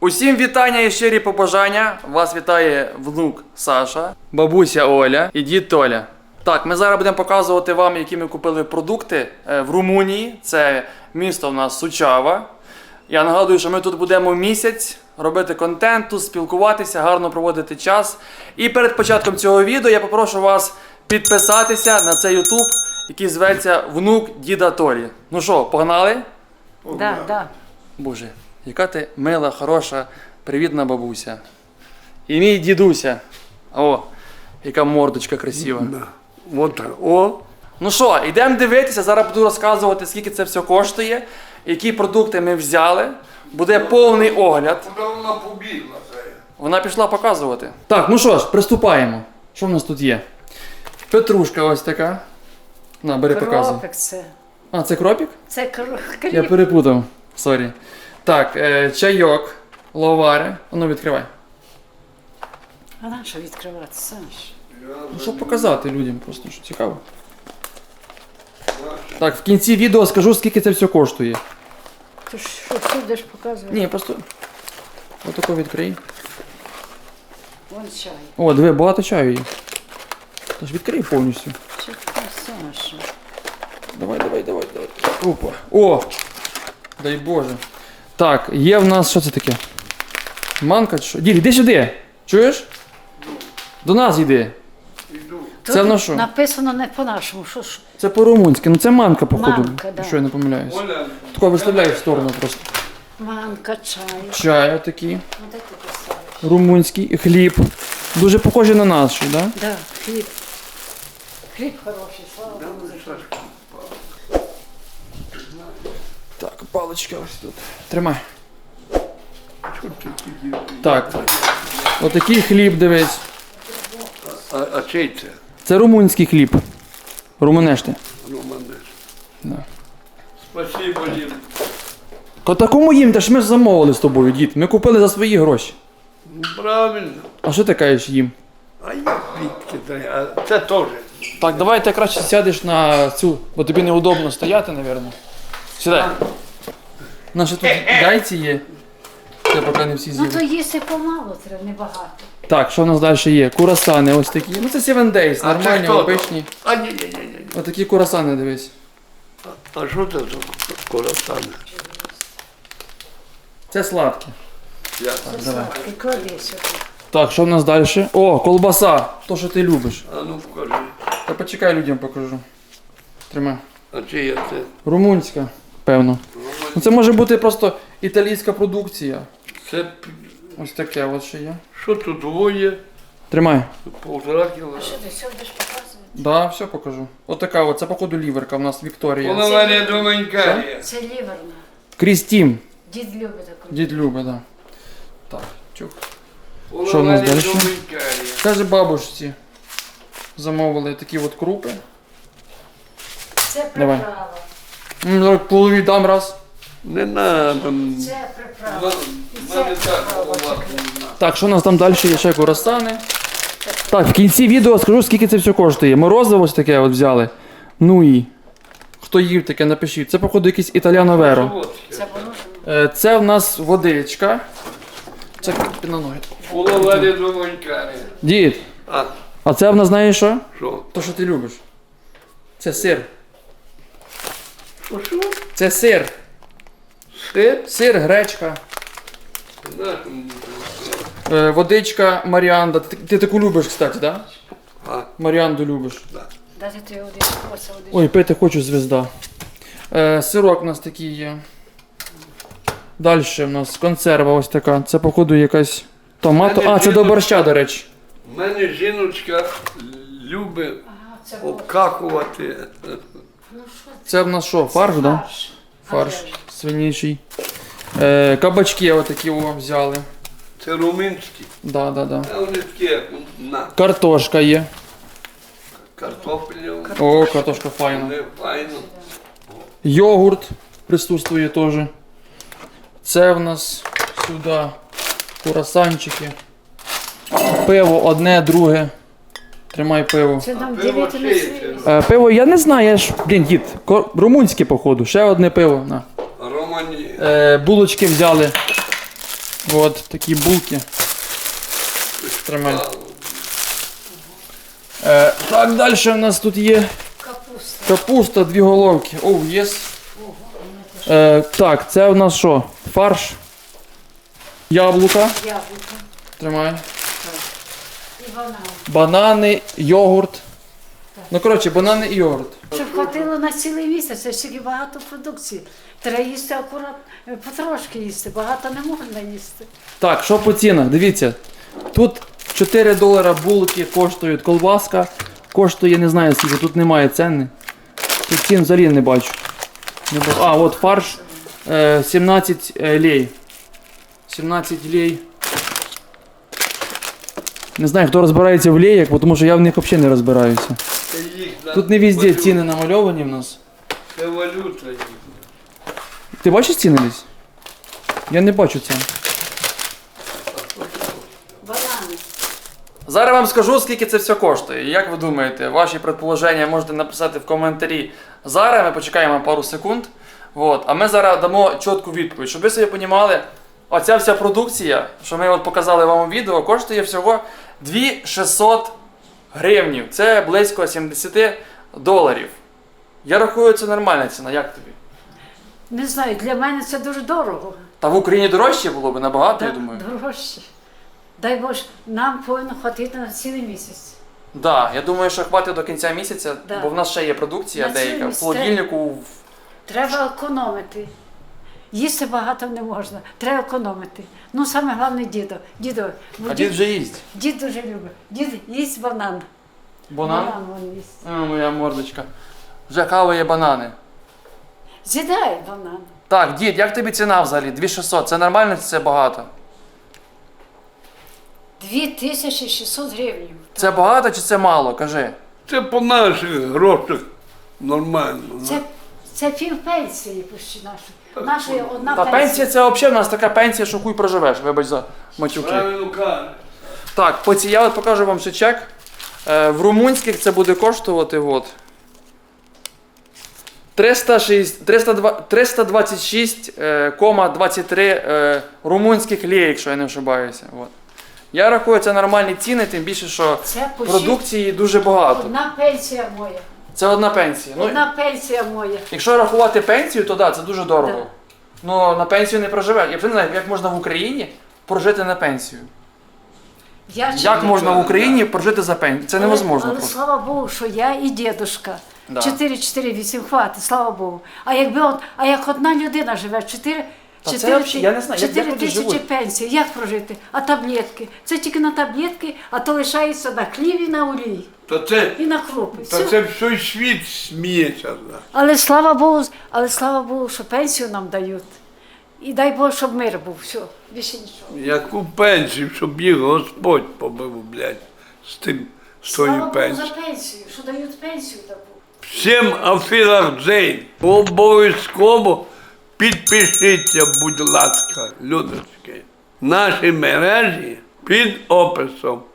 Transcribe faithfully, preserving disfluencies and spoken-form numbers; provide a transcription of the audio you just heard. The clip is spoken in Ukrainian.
Усім вітання і щирі побажання. Вас вітає внук Саша, бабуся Оля і дід Толя. Так, ми зараз будемо показувати вам, які ми купили продукти в Румунії. Це місто в нас Сучава. Я нагадую, що ми тут будемо місяць робити контент, тут спілкуватися, гарно проводити час. І перед початком цього відео я попрошу вас підписатися на цей ютуб, який зветься Внук Діда Толі. Ну що, погнали? Да, да. Боже, яка ти мила, хороша, привітна бабуся. І мій дідуся. О, яка мордочка красива. Да. Вот так. О, Ну що, йдемо дивитися, зараз буду розказувати, скільки це все коштує, які продукти ми взяли. Буде повний огляд. куди вона побігла? Це? Вона пішла показувати. Так, ну що ж, приступаємо. Що в нас тут є? Петрушка ось така. На, бери, показуй. Кропик це. А, це кропік? Це кр- Я кріп. перепутав. Сорі. Так, е, чайок, ловари. А ну відкривай. А на що відкривати, Саш? Ну, щоб показати людям просто, що цікаво. Так, в кінці відео скажу, скільки це все коштує. Ти ж що будеш показувати? Ні, просто отако відкрий. Вон чай. О, диви, багато чаю є. Тож відкрий повністю. Чекай, Саша. Давай, давай, давай, давай. Опа. О! Дай Боже. Так, є в нас, що це таке? Манка чи що? Дід, іди сюди. Чуєш? До нас йди. Іду. Це Тут на що? Написано не по-нашому. Що ж? Це по-румунськи. Ну це манка, походу. Манка, да. Якщо я не помиляюсь. Оля, Тако виставляй в сторону просто. Манка, чай. Чай отакий. Ну де ти писаєш? Румунський. Хліб. Дуже похожий на наш, так? Да? Да, хліб. Хліб хороший, слава да, Богу. ну, Сашка. Так, паличка ось тут. Тримай. Що ти тоді? Так. Отакий хліб, дивись. А, а чий це? Це румунський хліб. Румунешти. Ну, мене. Да. Спасибо, Лін. Ко такому їм, та ж ми ж замовили з тобою, дід. Ми купили за свої гроші. Ну, правильно. А що ти кажеш їм? А я звідки треба? А це теж. Так, давай ти краще сядеш на цю, бо тобі неудобно стояти, напевно. Сідай. Наші тут гайці є. Це поки не всі Ну з'їли. то їсти помало треба, небагато. Так, що в нас далі є? Курасани ось такі. Ну це сім Days, А нормальні, це хто? обичні. А ні, ні, ні, ні. Отакі курасани, дивись. А що це за колосане? Це сладкі. Я. Давай. І клади сюди. Так, що в нас далі? О, колбаса. То, що ти любиш. А ну вкажи. Та почекай, людям покажу. Тримай. А чи я це? Румунська, певно. Ну це може бути просто італійська продукція. Це п- Ось таке от ще є. що тут двоє? Тримай. Полтора кіло. Що ти все будеш показувати? Да, все покажу. От така от, це походу ліверка в нас Вікторія. Половина доменька. Це ліверна. Крістім. Дід любить таку. Дід любить, да. Так, чух. Половина Що в нас далі? доменька. Каже бабушці. Замовили такі от крупи. Це Давай. приправа. М, зараз полові дам раз. Не надо. Це приправа. Мене так голова. Так, що у нас там далі є ще курасани. Так, в кінці відео скажу, скільки це все коштує. Морозиво ось таке от взяли. Ну і. Хто їв таке, напишіть. Це, походу, якийсь італіано веро. Це воно. Е, Це в нас водичка. Це під на ноги. Половина доменька. Дід, А, а це в нас знаєш що? що? То, що ти любиш. Це сир. Що, що? Це сир. Сир? Сир, гречка. На, м, Е, водичка, маріанда. Ти, ти таку любиш, кстати, так? Да? А, Маріанду любиш. Дати ти один коса один. Ой, пити хочу, звізда. Е, сирок у нас такий є. Далі в нас консерва ось така. Це, походу, якась томато. А, це до борща, до речі. в мене жіночка любить Ага, це було. обкакувати. Ну що Це в нас що, фарш, так? Да? Фарш. Фарш А де ж? свинячий. Е, кабачки отакі о, взяли. Це румунські. Да, да, да. А вони такі, як на Картошка є. картоплю. О, картошка файна. Не файно. Йогурт присутствує теж. Це в нас сюди курасанчики. Пиво одне, друге. Тримай пиво. Це нам Пиво ділити на чиє свій. Е, пиво я не знаю, я ж, блін, дід, ко- румунське, походу. Ще одне пиво. На. Романі. Е, булочки взяли. От такі булки. Тримай. Е, так, далі у нас тут є Капуста. капуста, дві головки. Оу, єс. Е, так, це у нас що? Фарш. Яблука. Яблука. Тримай. І банан. Банани, йогурт. Ну, коротше, банани і йогурт. Щоб хватило на цілий місяць, це ж таки багато продукції. Треба їсти акурат, потрошки їсти, багато не можна їсти. Так, що по цінах? Дивіться. Тут чотири долара булки коштують, колбаска коштує, не знаю скільки, тут немає ціни. Тут цін взагалі не бачу. Не бачу. А, от фарш е, сімнадцять е, лей. сімнадцять лей. Не знаю, хто розбирається в леях, бо тому що я в них взагалі не розбираюся. Це їх на Тут не везде валюту. ціни намальовані в нас. Це валюта їх. Ти бачиш ціни десь? Я не бачу цін. Банани. Зараз вам скажу, скільки це все коштує. І як ви думаєте, ваші предположення можете написати в коментарі зараз, ми почекаємо пару секунд. Вот. А ми зараз дамо чітку відповідь, щоб ви собі розуміли, оця вся продукція, що ми от показали вам у відео, коштує всього дві тисячі шістсот гривнів. Це близько сімдесят доларів. Я рахую, це нормальна ціна, як тобі? Не знаю, для мене це дуже дорого. Та в Україні дорожче було б набагато, я Так, думаю. дорожче. Дай Боже, нам повинно хватити на цілий місяць. Да, я думаю, що хватить до кінця місяця, Да. бо в нас ще є продукція На деяка. В цілий холодильнику. в- Треба економити. Їсти багато не можна. Треба економити. Ну, саме головне дідо. Дідо, бо А дід вже їсть. дід дуже любить. Дід їсть банан. Банан? Банан він їсть. А, моя мордочка. Вже хаває банани. З'їдає банан. Так, дід, як тобі ціна взагалі? дві тисячі шістсот. Це нормально чи це багато? дві тисячі шістсот гривень. Це багато чи це мало? Кажи. Це по наших грошах нормально. Це, це пів пенсії почти нашої. Нашої одна Та пенсія. пенсія це взагалі в нас така пенсія, що хуй проживеш, вибач за матюки. Правильно кажеш. Так, по ці, я от покажу вам ще чек. Е, в румунських це буде коштувати от. триста шість триста два триста двадцять шість кома двадцять три е, румунських лей, якщо я не ошибаюся. От. Я рахую, це нормальні ціни, тим більше, що Це почти продукції дуже багато. одна пенсія моя. Це одна пенсія. Ну, Одна пенсія моя. якщо рахувати пенсію, то да, це дуже дорого. Да. Ну на пенсію не проживеш. Я вже не знаю, як можна в Україні прожити на пенсію. Я Як читаю. можна в Україні прожити за пенсію? Це Але- невозможно Але, просто. слава Богу, що я і дідушка. Да. чотири чотири вісім хватить, слава Богу. А якби от, а як одна людина живе, чотири Та це взагалі, я не знаю, як- як люди тисячі живуть? пенсії, як прожити? А таблетки? Це тільки на таблетки, а то лишається на хліб і на олій, Та це, і на крупи. та Все. це всій світ сміється. да. Але слава Богу, але слава Богу, що пенсію нам дають. І дай Бог, щоб мир був. Все, більше нічого. Яку пенсію, щоб їх Господь побив, блядь, з тим, з Слава тою Богу пенсією. за пенсію, що дають пенсію таку. Всім Афірах Джейн, обов'язково підпишіться, будь ласка, людочки. Наші мережі під описом.